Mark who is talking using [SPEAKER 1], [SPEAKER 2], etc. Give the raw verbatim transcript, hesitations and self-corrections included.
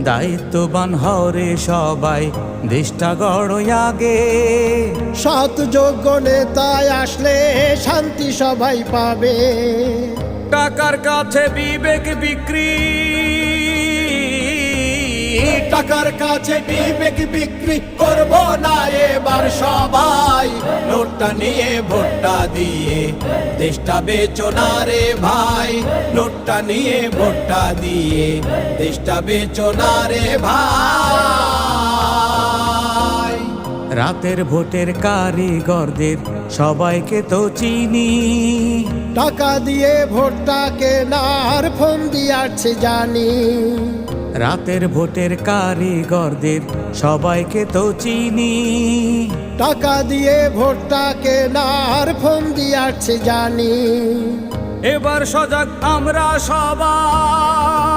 [SPEAKER 1] দায়িত্ববান হরে সবাই, দেশটা গড় আগে।
[SPEAKER 2] সৎ যোগ্য নেতায় আসলে শান্তি সবাই পাবে।
[SPEAKER 1] টাকার কাছে বিবেক বিক্রি,
[SPEAKER 2] টাকার কাছে বিবেক বিক্রি করব না এবার সবাই।
[SPEAKER 3] নোটটা নিয়ে ভোটটা দিয়ে দেশটা বেচো না রে ভাই। নোটটা নিয়ে ভোটটা দিয়ে দেশটা বেচো না রে ভাই।
[SPEAKER 1] রাতের ভোটের কারিগরদের সবাইকে তো চিনি।
[SPEAKER 2] টাকা দিয়ে ভোটটা কেনার ফোন দিয়াছে জানি।
[SPEAKER 1] রাতের ভোটের কারিগরদের সবাইকে তো চিনি।
[SPEAKER 2] টাকা দিয়ে ভোটটা কেনার ফোন দিয়াছে জানি।
[SPEAKER 1] এবার সজাগ আমরা সবাই,